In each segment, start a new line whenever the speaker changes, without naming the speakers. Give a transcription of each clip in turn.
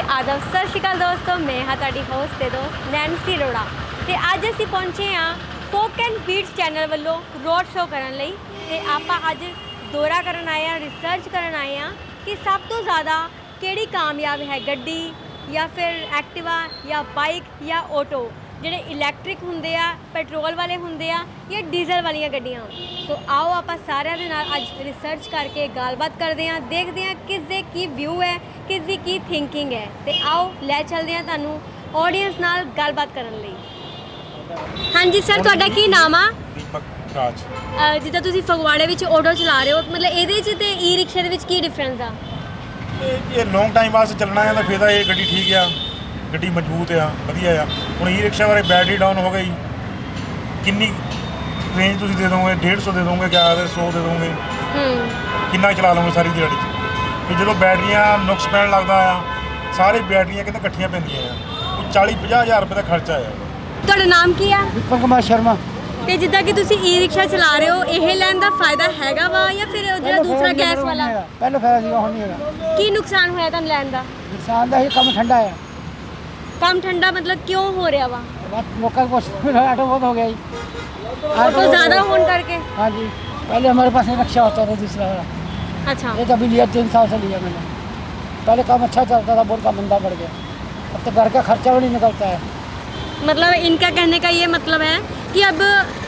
आदब सत श्री अकाल दोस्तों, मैं हाँ तुहाडी होस्ट ते दोस्त नैन्सी अरोड़ा ते अज असीं पहुंचे हाँ फोक एंड बीट्स चैनल वालों रोड शो करन लई ते आपां अज दौरा करन आए हैं, रिसर्च करन आए हैं कि सब तो ज़्यादा किहड़ी कामयाब है गड्डी या फिर एक्टिवा या बाइक या ऑटो ਜਿਹੜੇ ਇਲੈਕਟ੍ਰਿਕ ਹੁੰਦੇ ਆ, ਪੈਟਰੋਲ ਵਾਲੇ ਹੁੰਦੇ ਆ ਜਾਂ ਡੀਜ਼ਲ ਵਾਲੀਆਂ ਗੱਡੀਆਂ। ਸੋ ਆਓ ਆਪਾਂ ਸਾਰਿਆਂ ਦੇ ਨਾਲ ਅੱਜ ਰਿਸਰਚ ਕਰਕੇ ਗੱਲਬਾਤ ਕਰਦੇ ਹਾਂ, ਦੇਖਦੇ ਹਾਂ ਕਿਸ ਦੇ ਕੀ ਵਿਊ ਹੈ, ਕਿਸ ਦੀ ਕੀ ਥਿੰਕਿੰਗ ਹੈ ਤੇ ਆਓ ਲੈ ਚੱਲਦੇ ਹਾਂ ਤੁਹਾਨੂੰ ਆਡੀਅנס ਨਾਲ ਗੱਲਬਾਤ ਕਰਨ ਲਈ। ਹਾਂਜੀ ਸਰ, ਤੁਹਾਡਾ ਕੀ ਨਾਮ ਆ?
ਦੀਪਕ ਰਾਜ।
ਜਿੱਦਾਂ ਤੁਸੀਂ ਫਗਵਾੜੇ ਵਿੱਚ ਆਟੋ ਚਲਾ ਰਹੇ ਹੋ, ਮਤਲਬ ਇਹਦੇ 'ਚ ਤੇ ਈ ਰਿਕਸ਼ੇ ਦੇ ਵਿੱਚ ਕੀ ਡਿਫਰੈਂਸ ਆ?
ਇਹ ਲੌਂਗ ਟਾਈਮ ਵਾਸਤੇ ਚੱਲਣਾ ਹੈ ਤਾਂ ਫਿਰ ਤਾਂ ਇਹ ਗੱਡੀ ਠੀਕ ਆ, ਗੱਡੀ ਮਜ਼ਬੂਤ ਆ, ਵਧੀਆ ਆ। ਹੁਣ ਈ ਰਿਕਸ਼ਾ ਬਾਰੇ ਬੈਟਰੀ ਡਾਊਨ ਹੋ ਗਈ, ਕਿੰਨੀ ਰੇਂਜ ਤੁਸੀਂ ਦੇ ਦੋਗੇ? 150 ਦੇ ਦੋਗੇ, ਕਿਆ 100 ਦੇ ਦੋਗੇ? ਕਿੰਨਾ ਚਲਾ ਲਓਗੇ ਸਾਰੀ ਦਿਹਾੜੀ 'ਚ? ਫਿਰ ਜਦੋਂ ਬੈਟਰੀਆਂ ਨੁਕਸ ਪੈਣ ਲੱਗਦਾ ਆ, ਸਾਰੇ ਬੈਟਰੀਆਂ ਕਿਤੇ ਇਕੱਠੀਆਂ ਪੈਂਦੀਆਂ ਆ, ਉਹ 40-50 ਹਜ਼ਾਰ ਰੁਪਏ ਦਾ ਖਰਚਾ ਆ।
ਤੁਹਾਡਾ ਨਾਮ ਕੀ ਆ?
ਦੀਪਕ ਕੁਮਾਰ ਸ਼ਰਮਾ।
ਤੇ ਜਿੱਦਾਂ ਕਿ ਤੁਸੀਂ ਈ ਰਿਕਸ਼ਾ ਚਲਾ ਰਹੇ ਹੋ, ਇਹ ਲੈਣ ਦਾ ਫਾਇਦਾ ਹੈਗਾ ਵਾ ਜਾਂ ਫਿਰ ਜਿਹੜਾ ਦੂਸਰਾ ਗੈਸ ਵਾਲਾ?
ਪਹਿਲਾਂ ਫਾਇਦਾ ਸੀਗਾ, ਹੁਣ ਨਹੀਂ ਹੈਗਾ।
ਕੀ ਨੁਕਸਾਨ ਹੋਇਆ ਤੁਹਾਨੂੰ ਲੈਣ ਦਾ?
ਨੁਕਸਾਨ ਦਾ ਹੀ ਕੰਮ ਠੰਡਾ ਆ।
ਕੰਮ ਠੰਡਾ ਮਤਲਬ ਕਿਉਂ ਹੋ ਰਿਹਾ ਵਾ?
बस लोकल को ऑटो बहुत हो गया जी,
ऑटो ज़्यादा होने करके।
हाँ जी, पहले हमारे पास एक रिक्शा होता था दूसरा वाला।
अच्छा।
ये अभी लिया 3 साल से लिया मैंने। पहले काम अच्छा चलता था, बहुत काम मंदा पड़ गया। अब तो घर का खर्चा भी नहीं निकलता है।
मतलब इनका कहने का ये मतलब है कि अब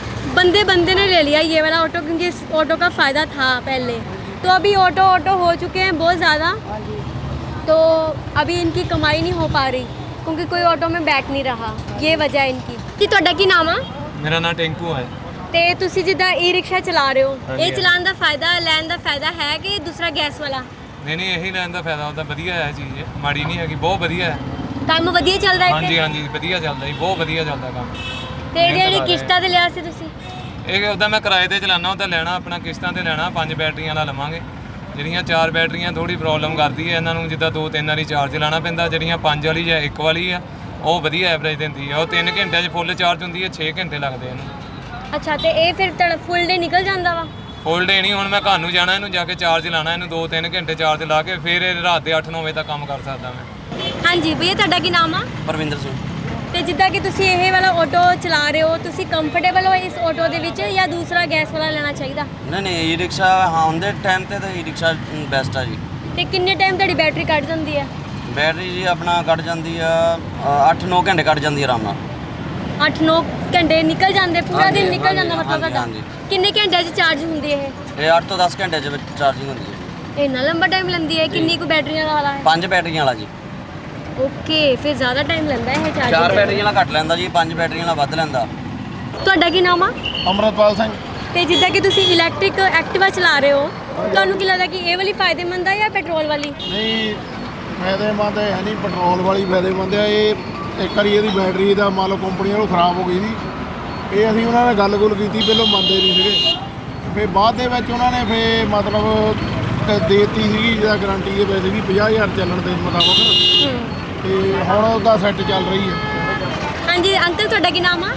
बंदे ने ले लिया ये वाला ऑटो, क्योंकि इस ऑटो का फ़ायदा था पहले, तो अभी ऑटो हो चुके हैं बहुत ज़्यादा।
हाँ जी।
तो अभी इनकी कमाई नहीं हो पा रही क्योंकि कोई ऑटो में बैठ नहीं रहा, ये वजह है इनकी। कि ਤੁਹਾਡਾ ਕੀ ਨਾਮ ਆ?
ਮੇਰਾ ਨਾਮ ਟੈਂਕੂ ਹੈ।
ਤੇ ਤੁਸੀਂ ਜਿੱਦਾਂ ਈ ਰਿਕਸ਼ਾ ਚਲਾ ਰਹੇ ਹੋ,
ਹਾਂਜੀ,
ਇਹ ਚਲਾਉਣ ਦਾ ਫਾਇਦਾ, ਲੈਣ ਦਾ ਫਾਇਦਾ ਹੈ ਕਿ ਦੂਸਰਾ ਗੈਸ ਵਾਲਾ?
ਨਹੀਂ ਇਹੀ ਲੈਣ ਦਾ ਫਾਇਦਾ ਹੁੰਦਾ, ਵਧੀਆ ਹੈ ਚੀਜ਼, ਮਾੜੀ ਨਹੀਂ ਹੈਗੀ, ਬਹੁਤ ਵਧੀਆ ਹੈ।
ਕੰਮ ਵਧੀਆ ਚੱਲਦਾ ਹੈ
ਹਾਂਜੀ ਹਾਂਜੀ, ਵਧੀਆ ਚੱਲਦਾ ਜੀ, ਬਹੁਤ ਵਧੀਆ ਚੱਲਦਾ ਕੰਮ।
ਤੇ ਜਿਹੜੀ ਕਿਸ਼ਤਾਂ ਤੇ ਲਿਆ ਸੀ ਤੁਸੀਂ?
ਇਹ ਉਹਦਾ ਮੈਂ ਕਿਰਾਏ ਤੇ ਚਲਾਉਣਾ, ਉਹਦਾ ਲੈਣਾ ਆਪਣਾ ਕਿਸ਼ਤਾਂ ਤੇ ਲੈਣਾ, 5 ਬੈਟਰੀਆਂ ਵਾਲਾ ਲਵਾਂਗੇ। ਜਿਹੜੀਆਂ 4 ਬੈਟਰੀਆਂ ਥੋੜੀ ਪ੍ਰੋਬਲਮ ਕਰਦੀ ਹੈ ਇਹਨਾਂ ਨੂੰ, ਜਿੱਦਾਂ 2-3 ਵਾਰੀ ਚਾਰਜ ਲਾਉਣਾ ਪੈਂਦਾ। ਜਿਹੜੀਆਂ 5 ਵਾਲੀ ਜਾਂ 1 ਵਾਲੀ ਆ, ਉਹ ਵਧੀਆ ਐਵਰੇਜ ਦਿੰਦੀ ਆ। ਉਹ 3 ਘੰਟਿਆਂ 'ਚ ਫੁੱਲ ਚਾਰਜ ਹੁੰਦੀ ਹੈ, 6 ਘੰਟੇ ਲੱਗਦੇ ਇਹਨੂੰ।
ਅੱਛਾ, ਤੇ ਇਹ ਫਿਰ ਫੁੱਲ ਡੇ ਨਿਕਲ ਜਾਂਦਾ ਵਾ?
ਫੁੱਲ ਡੇ ਨਹੀਂ, ਹੁਣ ਮੈਂ ਘਰ ਨੂੰ ਜਾਣਾ, ਇਹਨੂੰ ਜਾ ਕੇ ਚਾਰਜ ਲਾਣਾ, ਇਹਨੂੰ 2-3 ਘੰਟੇ ਚਾਰਜ ਲਾ ਕੇ ਫਿਰ ਇਹ ਰਾਤ ਦੇ 8-9 ਵਜੇ ਤੱਕ ਕੰਮ ਕਰ ਸਕਦਾ ਮੈਂ।
ਹਾਂਜੀ ਭਈਆ, ਤੁਹਾਡਾ ਕੀ ਨਾਮ ਆ?
ਪਰਵਿੰਦਰ ਸਿੰਘ।
ਤੇ ਜਿੱਦਾਂ ਕਿ ਤੁਸੀਂ ਇਹ ਵਾਲਾ ਆਟੋ ਚਲਾ ਰਹੇ ਹੋ, ਤੁਸੀਂ ਕੰਫਰਟੇਬਲ ਹੋ ਇਸ ਆਟੋ ਦੇ ਵਿੱਚ ਜਾਂ ਦੂਸਰਾ ਗੈਸ ਵਾਲਾ ਲੈਣਾ ਚਾਹੀਦਾ?
ਨਹੀਂ ਈ ਰਿਕਸ਼ਾ ਹਾਂ ਦੇ ਟਾਈਮ ਤੇ ਤਾਂ ਈ ਰਿਕਸ਼ਾ ਬੈਸਟ ਆ ਜੀ।
ਤੇ ਕਿੰਨੇ ਟਾਈਮ ਤੁਹਾਡੀ ਬੈਟਰੀ ਕੱਢ ਜਾਂਦੀ ਹੈ?
ਬੈਟਰੀ ਜੀ ਆਪਣਾ ਕੱਢ ਜਾਂਦੀ ਆ 8-9 ਘੰਟੇ ਕੱਢ ਜਾਂਦੀ ਆ ਆਰਾਮ ਨਾਲ।
8-9 ਘੰਟੇ ਨਿਕਲ ਜਾਂਦੇ, ਪੂਰਾ ਦਿਨ ਨਿਕਲ ਜਾਂਦਾ ਮਤਲਬ ਤੁਹਾਡਾ?
ਹਾਂਜੀ।
ਕਿੰਨੇ ਘੰਟਿਆਂ 'ਚ ਚਾਰਜ ਹੁੰਦੀ ਹੈ
ਇਹ 8 ਤੋਂ 10 ਘੰਟੇ 'ਚ ਚਾਰਜਿੰਗ ਹੁੰਦੀ ਹੈ।
ਇੰਨਾ ਲੰਬਾ ਟਾਈਮ ਲੈਂਦੀ ਹੈ? ਕਿੰਨੀ ਕੁ ਬੈਟਰੀਆਂ ਵਾਲਾ ਹੈ?
5 ਬੈਟਰੀਆਂ ਵਾਲਾ ਜੀ।
ਓਕੇ, ਫਿਰ ਜ਼ਿਆਦਾ ਟਾਈਮ ਲੈਂਦਾ ਹੈ ਚਾਰਜ?
4 ਬੈਟਰੀਆਂ ਵਾਲਾ ਘੱਟ ਲੈਂਦਾ ਜੀ, 5 ਬੈਟਰੀਆਂ ਵਾਲਾ ਵੱਧ ਲੈਂਦਾ।
ਤੁਹਾਡਾ ਕੀ ਨਾਮ ਆ?
ਅਮਰਤਪਾਲ ਸਿੰਘ।
ਤੇ ਜਿੱਦਾਂ ਕਿ ਤੁਸੀਂ ਇਲੈਕਟ੍ਰਿਕ ਐਕਟਿਵਾ ਚਲਾ ਰਹੇ ਹੋ, ਤੁਹਾਨੂੰ ਕੀ ਲੱਗਦਾ ਕਿ ਇਹ ਵਾਲੀ ਫਾਇਦੇਮੰਦ ਆ ਜਾਂ ਪੈਟਰੋਲ ਵਾਲੀ?
ਨਹੀਂ, ਫਾਇਦੇਮੰਦ ਹੈ ਨਹੀਂ, ਪੈਟਰੋਲ ਵਾਲੀ ਫਾਇਦੇਮੰਦ ਹੈ। ਇਹ ਇੱਕ ਵਾਰੀ ਇਹਦੀ ਬੈਟਰੀ ਦਾ ਮੰਨ ਲਓ ਕੰਪਨੀ ਵੱਲੋਂ ਖਰਾਬ ਹੋ ਗਈ ਸੀ, ਇਹ ਅਸੀਂ ਉਹਨਾਂ ਨਾਲ ਗੱਲ ਕੀਤੀ, ਪਹਿਲਾਂ ਮੰਨਦੇ ਨਹੀਂ ਸੀਗੇ। ਫਿਰ ਬਾਅਦ ਦੇ ਵਿੱਚ ਉਹਨਾਂ ਨੇ ਫਿਰ ਮਤਲਬ ਦੇਤੀ ਸੀਗੀ ਜਿਹਦਾ ਗਾਰੰਟੀ ਦੇ ਪੈਸੇ ਵੀ 50,000 ਚੱਲਣ ਦੇ ਮੁਤਾਬਕ, ਤੇ ਹੁਣ ਉਹਦਾ ਸੈੱਟ ਚੱਲ ਰਹੀ ਹੈ।
ਹਾਂਜੀ ਅੰਕਲ, ਤੁਹਾਡਾ ਕੀ ਨਾਮ ਆ?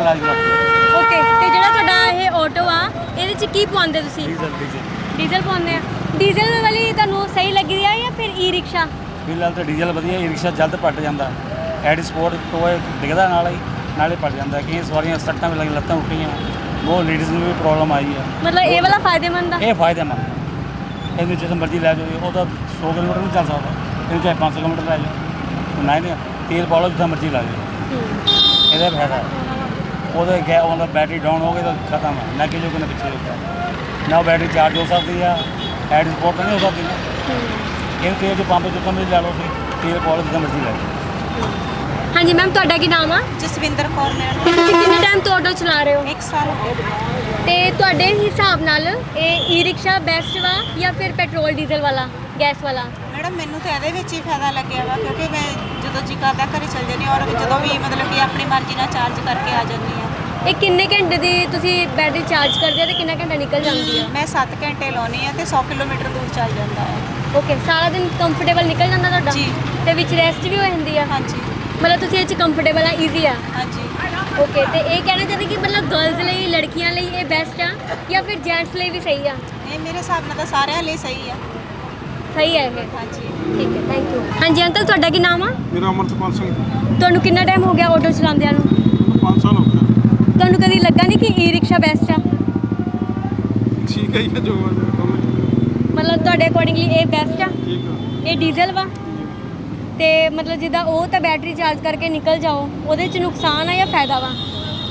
ਓਕੇ, ਤੇ ਜਿਹੜਾ ਤੁਹਾਡਾ ਇਹ ਆਟੋ ਆ, ਇਹਦੇ 'ਚ ਕੀ ਪਾਉਂਦੇ ਤੁਸੀਂ? ਡੀਜ਼ਲ ਪਾਉਂਦੇ ਆ। ਡੀਜ਼ਲ ਵਾਲੀ ਤੁਹਾਨੂੰ ਸਹੀ ਲੱਗੀ ਆ ਜਾਂ ਫਿਰ ਈ ਰਿਕਸ਼ਾ?
ਫਿਲਹਾਲ ਤਾਂ ਡੀਜ਼ਲ ਵਧੀਆ, ਈ ਰਿਕਸ਼ਾ ਜਲਦ ਪੱਟ ਜਾਂਦਾ। ਐਡ ਸਪੋਰਟ ਟੋਏ ਡਿੱਗਦਾ ਨਾਲੇ ਪੱਟ ਜਾਂਦਾ। ਕਈ ਸਵਾਰੀਆਂ ਸੱਟਾਂ ਵੀ ਲੱਗੀਆਂ, ਲੱਤਾਂ ਉੱਟੀਆਂ, ਬਹੁਤ ਲੇਡੀਜ਼ ਨੂੰ ਵੀ ਪ੍ਰੋਬਲਮ ਆਈ ਆ।
ਮਤਲਬ ਇਹ ਵਾਲਾ ਫਾਇਦੇਮੰਦ ਆ?
ਇਹ ਫਾਇਦੇਮੰਦ, ਇਹਨੂੰ ਜਿੱਥੇ ਮਰਜ਼ੀ ਲੈ ਜਾਓ। ਉਹ ਤਾਂ 100 ਕਿਲੋਮੀਟਰ ਨਹੀਂ ਚੱਲ ਸਕਦਾ, ਇਹਨੂੰ ਚਾਹੇ 500 ਕਿਲੋਮੀਟਰ ਲੈ ਜਾਓ, ਨਹੀਂ ਤੇਲ ਪਾ ਲਓ ਜਿੱਥੇ ਮਰਜ਼ੀ ਲਾ ਜਾਓ, ਇਹਦਾ ਫਾਇਦਾ। ਉਹਦਾ ਬੈਟਰੀ ਡਾਊਨ ਹੋ ਗਈ ਤਾਂ ਖਤਮ ਹੈ, ਨਾ ਕਿ ਜੋ ਕਿ ਪਿੱਛੇ ਹੁੰਦਾ ਨਾ, ਬੈਟਰੀ ਚਾਰਜ ਹੋ ਸਕਦੀ ਆ, ਐਡ ਸਪੋਰਟ ਤਾਂ ਨਹੀਂ ਹੋ ਸਕਦੀ ਨਾ। ਇਹ ਤੇਲ ਜੋ ਪੰਪ ਜਿੱਥੋਂ ਮਰਜ਼ੀ ਲੈ ਲਓ, ਤੇਲ ਪਾ ਲਓ ਜਿੱਥੇ ਮਰਜ਼ੀ ਲੈ ਜਾਓ।
ਹਾਂਜੀ ਮੈਮ, ਤੁਹਾਡਾ ਕੀ ਨਾਮ ਆ?
ਜਸਵਿੰਦਰ ਕੌਰ ਮੈਡਮ।
ਤੇ ਤੁਸੀਂ ਕਿੰਨੇ ਟਾਈਮ ਤੋਂ ਆਟੋ ਚਲਾ ਰਹੇ ਹੋ?
1 ਸਾਲ ਹੋ ਗਿਆ।
ਤੇ ਤੁਹਾਡੇ ਹਿਸਾਬ ਨਾਲ ਇਹ ਈ ਰਿਕਸ਼ਾ ਬੈਸਟ ਵਾ ਜਾਂ ਫਿਰ ਪੈਟਰੋਲ ਡੀਜ਼ਲ ਵਾਲਾ, ਗੈਸ ਵਾਲਾ?
ਮੈਡਮ ਮੈਨੂੰ ਤਾਂ ਇਹਦੇ ਵਿੱਚ ਹੀ ਫਾਇਦਾ ਲੱਗਿਆ ਵਾ, ਕਿਉਂਕਿ ਮੈਂ ਜਦੋਂ ਜੀ ਕਰਦਾ ਘਰੇ ਚਲ ਜਾਂਦੀ ਔਰ ਜਦੋਂ ਵੀ ਮਤਲਬ ਕਿ ਆਪਣੀ ਮਰਜ਼ੀ ਨਾਲ ਚਾਰਜ ਕਰਕੇ ਆ ਜਾਂਦੀ ਆ।
ਇਹ ਕਿੰਨੇ ਘੰਟੇ ਦੀ ਤੁਸੀਂ ਬੈਟਰੀ ਚਾਰਜ ਕਰਦੇ ਆ ਤੇ ਕਿੰਨਾ ਘੰਟਾ ਨਿਕਲ ਜਾਂਦੀ ਆ?
ਮੈਂ 7 ਘੰਟੇ ਲਾਉਣੀ ਆ ਤੇ 100 ਕਿਲੋਮੀਟਰ ਦੂਰ ਚੱਲ ਜਾਂਦਾ ਹੈ।
ਓਕੇ, ਸਾਰਾ ਦਿਨ ਕੰਫਰਟੇਬਲ ਨਿਕਲ ਜਾਂਦਾ ਤੁਹਾਡਾ?
ਜੀ।
ਤੇ ਵਿੱਚ ਰੈਸਟ ਵੀ ਹੋ ਜਾਂਦੀ ਆ?
ਹਾਂਜੀ
ਮਤਲਬ ਤੁਸੀਂ ਇਹ 'ਚ ਕੰਫਰਟੇਬਲ ਆ, ਈਜ਼ੀ ਆ?
ਹਾਂਜੀ।
ਓਕੇ, ਤੇ ਇਹ ਕਹਿਣਾ ਚਾਹੁੰਦੇ ਕਿ ਮਤਲਬ ਗਰਲਸ ਲਈ, ਲੜਕੀਆਂ ਲਈ ਇਹ ਬੈਸਟ ਆ ਜਾਂ ਫਿਰ ਜੈਂਟਸ ਲਈ ਵੀ ਸਹੀ ਆ?
ਇਹ ਮੇਰੇ ਹਿਸਾਬ ਨਾਲ ਤਾਂ ਸਾਰਿਆਂ ਲਈ ਸਹੀ ਆ।
ਸਹੀ ਹੈ ਇਹ?
ਹਾਂਜੀ।
ਠੀਕ ਹੈ, ਥੈਂਕ ਯੂ। ਹਾਂਜੀ ਅੰਕਲ, ਤੁਹਾਡਾ ਕੀ ਨਾਮ ਆ?
ਮੇਰਾ ਅਮਰਤਪਾਲ ਸਿੰਘ,
ਤੁਹਾਨੂੰ ਕਿੰਨਾ ਟਾਈਮ ਹੋ ਗਿਆ ਆਟੋ ਚਲਾਉਂਦਿਆਂ ਨੂੰ?
5 ਸਾਲ ਹੋ ਗਏ।
ਤੁਹਾਨੂੰ ਕਦੀ ਲੱਗਾ ਨਹੀਂ ਕਿ ਈ ਰਿਕਸ਼ਾ ਬੈਸਟ ਆ?
ਠੀਕ ਹੈ ਜੀ, ਜੋ
ਮਤਲਬ ਤੁਹਾਡੇ ਅਕੋਰਡਿੰਗਲੀ ਇਹ ਬੈਸਟ ਆ?
ਠੀਕ ਆ।
ਇਹ ਡੀਜ਼ਲ ਵਾ ਤੇ ਮਤਲਬ ਜਿੱਦਾਂ ਉਹ ਤਾਂ ਬੈਟਰੀ ਚਾਰਜ ਕਰਕੇ ਨਿਕਲ ਜਾਓ, ਉਹਦੇ 'ਚ ਨੁਕਸਾਨ ਆ ਜਾਂ ਫਾਇਦਾ ਵਾ?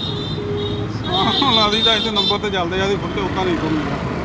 ਲਾਦੀ ਤਾਂ ਇੱਥੇ ਨੰਬਰ ਤੇ ਚੱਲਦੇ ਆ, ਫੁੱਟੇ ਉੱਦਾਂ ਨਹੀਂ ਕੋਈ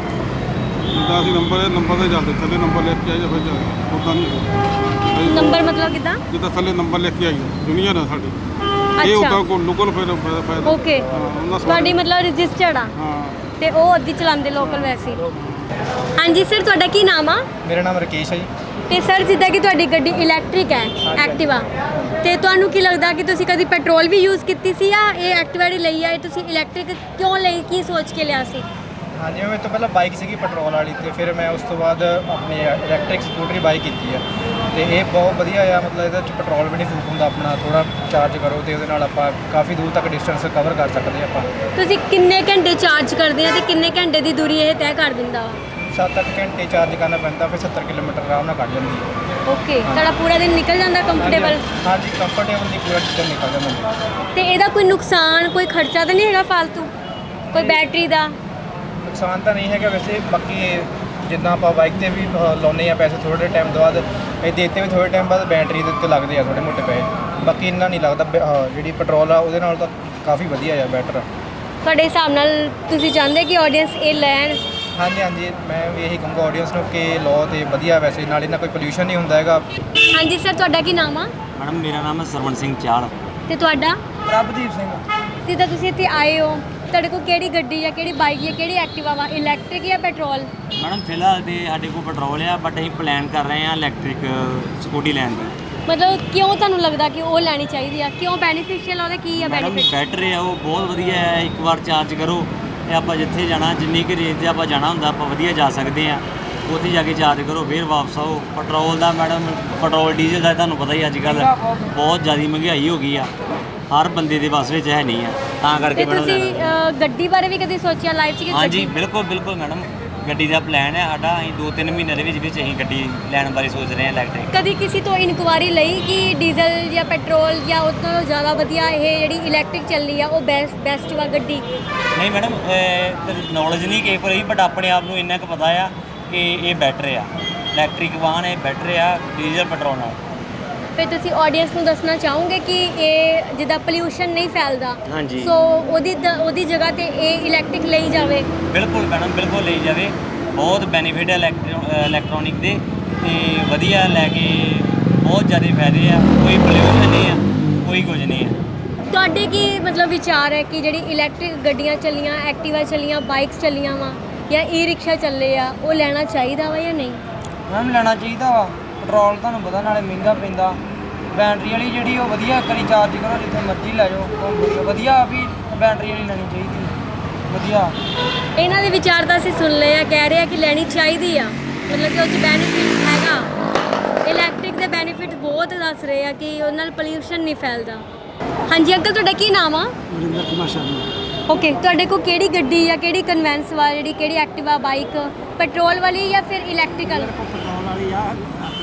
ਜਿੱਦਾਂ ਅਸੀਂ ਨੰਬਰ ਤੇ ਚੱਲਦੇ, ਥੱਲੇ ਨੰਬਰ ਲਿਖ ਕੇ ਆਈਦਾ ਫਿਰ ਚੱਲਦੇ, ਉੱਦਾਂ ਨਹੀਂ
ਨੰਬਰ ਮਤਲਬ ਕਿੱਦਾਂ?
ਜਿੱਦਾਂ ਥੱਲੇ ਨੰਬਰ ਲਿਖ ਕੇ ਆਈਦਾ, ਯੂਨੀਅਨ ਆ ਸਾਡੀ ਇਹ
ਅੱਛਾ,
ਉੱਦਾਂ ਕੋਲ ਲੋਕਲ ਫਿਰ ਫਾਇਦਾ।
ਓਕੇ, ਤੁਹਾਡੀ ਮਤਲਬ ਰਜਿਸਟਰਡ ਆ
ਹਾਂ।
ਤੇ ਉਹ ਅੱਧੀ ਚਲਾਉਂਦੇ ਲੋਕਲ ਵੈਸੇ ਹੀ। ਹਾਂਜੀ ਸਰ, ਤੁਹਾਡਾ ਕੀ ਨਾਮ ਆ?
ਮੇਰਾ ਨਾਮ ਰਕੇਸ਼ ਹੈ ਜੀ।
ਤੇ ਸਰ ਜਿੱਦਾਂ ਕਿ ਤੁਹਾਡੀ ਗੱਡੀ ਇਲੈਕਟ੍ਰਿਕ ਹੈ ਐਕਟਿਵਾ, ਤੇ ਤੁਹਾਨੂੰ ਕੀ ਲੱਗਦਾ ਕਿ ਤੁਸੀਂ ਕਦੀ ਪੈਟਰੋਲ ਵੀ ਯੂਜ਼ ਕੀਤੀ ਸੀ ਜਾਂ ਇਹ ਐਕਟਿਵਾ ਦੀ ਲਈ ਆ? ਇਹ ਤੁਸੀਂ ਇਲੈਕਟ੍ਰਿਕ ਕਿਉਂ ਲਈ, ਕੀ ਸੋਚ ਕੇ ਲਿਆ ਸੀ?
ਹਾਂਜੀ, ਮੈਂ ਤੋਂ ਪਹਿਲਾਂ ਬਾਈਕ ਸੀਗੀ ਪੈਟਰੋਲ ਵਾਲੀ, ਤੇ ਫਿਰ ਮੈਂ ਉਸ ਤੋਂ ਬਾਅਦ ਆਪਣੀ ਇਲੈਕਟ੍ਰਿਕ ਸਕੂਟਰੀ ਬਾਈ ਕੀਤੀ ਆ, ਤੇ ਇਹ ਬਹੁਤ ਵਧੀਆ ਆ। ਮਤਲਬ ਇਹਦੇ 'ਚ ਪੈਟਰੋਲ ਵੀ ਨਹੀਂ ਫੂਕ ਹੁੰਦਾ, ਆਪਣਾ ਥੋੜਾ ਚਾਰਜ ਕਰੋ ਤੇ ਉਹਦੇ ਨਾਲ ਆਪਾਂ ਕਾਫੀ ਦੂਰ ਤੱਕ ਡਿਸਟੈਂਸ ਕਵਰ ਕਰ ਸਕਦੇ ਆਪਾਂ।
ਤੁਸੀਂ ਕਿੰਨੇ ਘੰਟੇ ਚਾਰਜ ਕਰਦੇ ਆ ਤੇ ਕਿੰਨੇ ਘੰਟੇ ਦੀ ਦੂਰੀ ਇਹ ਤੈਅ ਕਰ ਦਿੰਦਾ ਵਾ?
7-8 ਘੰਟੇ ਚਾਰਜ ਕਰਨਾ ਪੈਂਦਾ, ਫਿਰ 70 ਕਿਲੋਮੀਟਰ ਆਰਾਮ ਨਾਲ ਕੱਢ ਜਾਂਦੀ ਹੈ।
ਓਕੇ, ਤੁਹਾਡਾ ਪੂਰਾ ਦਿਨ ਨਿਕਲ ਜਾਂਦਾ ਕੰਫਰਟੇਬਲ?
ਹਾਂਜੀ, ਕੰਫਰਟੇਬਲ ਦੀ ਪੂਰਾ ਦਿਨ ਨਿਕਲ ਜਾਂਦਾ।
ਤੇ ਇਹਦਾ ਕੋਈ ਨੁਕਸਾਨ, ਕੋਈ ਖਰਚਾ ਤਾਂ ਨਹੀਂ ਹੈਗਾ ਫालतू, ਕੋਈ ਬੈਟਰੀ ਦਾ?
ਨੁਕਸਾਨ ਤਾਂ ਨਹੀਂ ਹੈਗਾ ਵੈਸੇ, ਬਾਕੀ ਜਿੱਦਾਂ ਆਪਾਂ ਬਾਈਕ ਤੇ ਵੀ ਲਾਉਂਦੇ ਆ ਪੈਸੇ ਥੋੜੇ ਟਾਈਮ ਤੋਂ ਬਾਅਦ, ਇਹਦੇ ਉੱਤੇ ਵੀ ਥੋੜੇ ਟਾਈਮ ਬਾਅਦ ਬੈਟਰੀ ਦੇ ਉੱਤੇ ਲੱਗਦੇ ਆ ਥੋੜੇ ਮੋਟੇ ਪੈਸੇ, ਬਾਕੀ ਇੰਨਾ ਨਹੀਂ ਲੱਗਦਾ। ਜਿਹੜੀ ਪੈਟਰੋਲ ਆ ਉਹਦੇ ਨਾਲ ਤਾਂ ਕਾਫੀ ਵਧੀਆ ਆ, ਬੈਟਰ।
ਤੁਹਾਡੇ ਹਿਸਾਬ ਨਾਲ ਤੁਸੀਂ ਚਾਹੁੰਦੇ ਕਿ ਆਡੀਅנס ਇਹ ਲੈਣ?
ਹਾਂਜੀ, ਮੈਂ ਵੀ ਇਹੀ ਕਹੂੰਗਾ ਆਡੀਅנס ਨੂੰ ਕਿ ਲੋ ਤੇ ਵਧੀਆ, ਵੈਸੇ ਨਾਲ ਇਹਨਾਂ ਕੋਈ ਪੋਲਿਊਸ਼ਨ ਨਹੀਂ ਹੁੰਦਾ ਹੈਗਾ।
ਹਾਂਜੀ ਸਰ, ਤੁਹਾਡਾ ਕੀ ਨਾਮ ਆ?
ਮੈਡਮ ਮੇਰਾ ਨਾਮ ਹੈ ਸਰਵਣ ਸਿੰਘ ਚਾਲ।
ਤੇ ਤੁਹਾਡਾ?
ਪ੍ਰਭਦੀਪ ਸਿੰਘ।
ਜਿੱਦਾਂ ਤੁਸੀਂ ਇੱਥੇ ਆਏ ਹੋ, ਤੁਹਾਡੇ ਕੋਲ ਕਿਹੜੀ ਗੱਡੀ ਜਾਂ ਕਿਹੜੀ ਬਾਈਕ ਜਾਂ ਕਿਹੜੀ ਐਕਟਿਵਾ ਵਾ, ਇਲੈਕਟ੍ਰਿਕ ਜਾਂ ਪੈਟਰੋਲ?
ਮੈਡਮ ਫਿਲਹਾਲ ਤੇ ਸਾਡੇ ਕੋਲ ਪੈਟਰੋਲ ਆ, ਬਟ ਅਸੀਂ ਪਲਾਨ ਕਰ ਰਹੇ ਹਾਂ ਇਲੈਕਟ੍ਰਿਕ ਸਕੂਟੀ ਲੈਣ ਦੀ।
ਮਤਲਬ ਕਿਉਂ ਤੁਹਾਨੂੰ ਲੱਗਦਾ ਕਿ ਉਹ ਲੈਣੀ ਚਾਹੀਦੀ ਆ? ਕਿਉਂ ਬੈਨੀਫੀਸ਼ੀਅਲ ਉਹਦੇ ਕੀ ਆ
ਮੈਡਮ
ਬੈਨੀਫਿਟ?
ਬੈਟਰੀ ਆ ਉਹ ਬਹੁਤ ਵਧੀਆ ਹੈ, ਇੱਕ ਵਾਰ ਚਾਰਜ ਕਰੋ ਤੇ ਆਪਾਂ ਜਿੱਥੇ ਜਾਣਾ, ਜਿੰਨੀ ਕੁ ਰੇਂਜ ਤੇ ਆਪਾਂ ਜਾਣਾ ਹੁੰਦਾ, ਆਪਾਂ ਵਧੀਆ ਜਾ ਸਕਦੇ ਹਾਂ। ਉੱਥੇ ਜਾ ਕੇ ਚਾਰਜ ਕਰੋ, ਫਿਰ ਵਾਪਸ ਆਓ। ਪੈਟਰੋਲ ਦਾ ਮੈਡਮ, ਪੈਟਰੋਲ ਡੀਜ਼ਲ ਦਾ ਤੁਹਾਨੂੰ ਪਤਾ ਹੀ ਅੱਜ ਕੱਲ੍ਹ ਬਹੁਤ ਜ਼ਿਆਦਾ ਮਹਿੰਗਾਈ ਹੋ ਗਈ ਆ, ਹਰ ਬੰਦੇ ਦੇ ਵੱਸ ਵਿੱਚ ਹੈ ਨਹੀਂ ਆ, ਤਾਂ ਕਰਕੇ
ਤੇ
ਮੈਡਮ
ਤੁਸੀਂ ਗੱਡੀ ਬਾਰੇ ਵੀ ਕਦੀ ਸੋਚਿਆ ਲਾਈਫ 'ਚ ਕਿ
ਹਾਂਜੀ
ਗੱਡੀ-
ਬਿਲਕੁਲ ਮੈਡਮ, ਗੱਡੀ ਦਾ ਪਲਾਨ ਹੈ ਸਾਡਾ। ਅਸੀਂ 2-3 ਮਹੀਨੇ ਦੇ ਵਿੱਚ ਅਸੀਂ ਗੱਡੀ ਲੈਣ ਬਾਰੇ ਸੋਚ ਰਹੇ ਹਾਂ ਇਲੈਕਟ੍ਰਿਕ।
ਕਦੀ ਕਿਸੇ ਤੋਂ ਇਨਕੁਆਇਰੀ ਲਈ ਕਿ ਡੀਜ਼ਲ ਜਾਂ ਪੈਟਰੋਲ ਜਾਂ ਉਸ ਨਾਲੋਂ ਜ਼ਿਆਦਾ ਵਧੀਆ ਇਹ ਜਿਹੜੀ ਇਲੈਕਟ੍ਰਿਕ ਚੱਲੀ ਆ ਉਹ ਬੈਸਟ ਵਾ ਗੱਡੀ?
ਨਹੀਂ ਮੈਡਮ, ਨੌਲੇਜ ਨਹੀਂ ਕਿਸੇ ਕੋਲ ਰਹੀ, ਬਟ ਆਪਣੇ ਆਪ ਨੂੰ ਇੰਨਾ ਕੁ ਪਤਾ ਆ ਕਿ ਇਹ ਬੈਟਰ ਆ, ਇਲੈਕਟ੍ਰਿਕ ਵਾਹਨ ਇਹ ਬੈਟਰ ਆ ਡੀਜ਼ਲ ਪੈਟਰੋਲ ਨਾਲ।
ਫਿਰ ਤੁਸੀਂ ਆਡੀਅנס ਨੂੰ ਦੱਸਣਾ ਚਾਹੋਗੇ ਕਿ ਇਹ ਜਿੱਦਾਂ ਪੋਲਿਊਸ਼ਨ ਨਹੀਂ ਫੈਲਦਾ,
ਹਾਂਜੀ।
ਸੋ ਉਹਦੀ ਜਗ੍ਹਾ ਤੇ ਇਹ ਇਲੈਕਟ੍ਰਿਕ ਲਈ ਜਾਵੇ?
ਬਿਲਕੁਲ ਮੈਡਮ, ਬਿਲਕੁਲ ਲਈ ਜਾਵੇ, ਬਹੁਤ ਬੈਨੀਫਿਟ ਹੈ ਇਲੈਕਟ੍ਰੋਨਿਕ ਦੇ, ਤੇ ਵਧੀਆ ਲੈ ਕੇ ਬਹੁਤ ਜ਼ਿਆਦਾ ਫਾਇਦੇ ਆ, ਕੋਈ ਪੋਲਿਊਸ਼ਨ ਨਹੀਂ ਆ, ਕੋਈ ਕੁਝ ਨਹੀਂ ਆ।
ਤੁਹਾਡੇ ਕੀ ਮਤਲਬ ਵਿਚਾਰ ਹੈ ਕਿ ਜਿਹੜੀ ਇਲੈਕਟ੍ਰਿਕ ਗੱਡੀਆਂ ਚੱਲੀਆਂ, ਐਕਟਿਵਾ ਚੱਲੀਆਂ, ਬਾਈਕਸ ਚੱਲੀਆਂ ਵਾ ਜਾਂ ਈ ਰਿਕਸ਼ਾ ਚੱਲੇ ਆ, ਉਹ ਲੈਣਾ ਚਾਹੀਦਾ ਵਾ ਜਾਂ ਨਹੀਂ?
ਮੈਮ ਲੈਣਾ ਚਾਹੀਦਾ ਵਾ, ਪੈਟਰੋਲ ਤੁਹਾਨੂੰ ਪਤਾ ਨਾਲੇ ਮਹਿੰਗਾ ਪੈਂਦਾ। ਬੈਟਰੀ ਵਾਲੀ ਜਿਹੜੀ ਉਹ ਵਧੀਆ, ਕਰੀ ਚਾਰਜ ਕਰੋ ਜਿੱਥੇ ਮਰਜ਼ੀ ਲੈ ਜਾਓ, ਵਧੀਆ ਵੀ ਬੈਟਰੀ ਵਾਲੀ ਲੈਣੀ ਚਾਹੀਦੀ ਵਧੀਆ।
ਇਹਨਾਂ ਦੇ ਵਿਚਾਰ ਤਾਂ ਅਸੀਂ ਸੁਣ ਲਏ ਆ, ਕਹਿ ਰਹੇ ਆ ਕਿ ਲੈਣੀ ਚਾਹੀਦੀ ਆ, ਮਤਲਬ ਕਿ ਉਹ 'ਚ ਬੈਨੀਫਿਟ ਹੈਗਾ। ਇਲੈਕਟ੍ਰਿਕ ਦੇ ਬੈਨੀਫਿਟ ਬਹੁਤ ਦੱਸ ਰਹੇ ਆ ਕਿ ਉਹਦੇ ਨਾਲ ਪੋਲਿਊਸ਼ਨ ਨਹੀਂ ਫੈਲਦਾ। ਹਾਂਜੀ ਅੰਕਲ, ਤੁਹਾਡਾ ਕੀ ਨਾਮ ਆ?
ਵਰਿੰਦਰ ਕੁਮਾਰ ਸ਼ਰਮਾ।
ਓਕੇ, ਤੁਹਾਡੇ ਕੋਲ ਕਿਹੜੀ ਗੱਡੀ ਜਾਂ ਕਿਹੜੀ ਕਨਵੈਂਸ ਵਾ, ਜਿਹੜੀ ਕਿਹੜੀ ਐਕਟਿਵਾ, ਬਾਈਕ, ਪੈਟਰੋਲ ਵਾਲੀ ਜਾਂ ਫਿਰ ਇਲੈਕਟ੍ਰੀਕਲ?
ਪੈਟਰੋਲ ਵਾਲੀ ਆ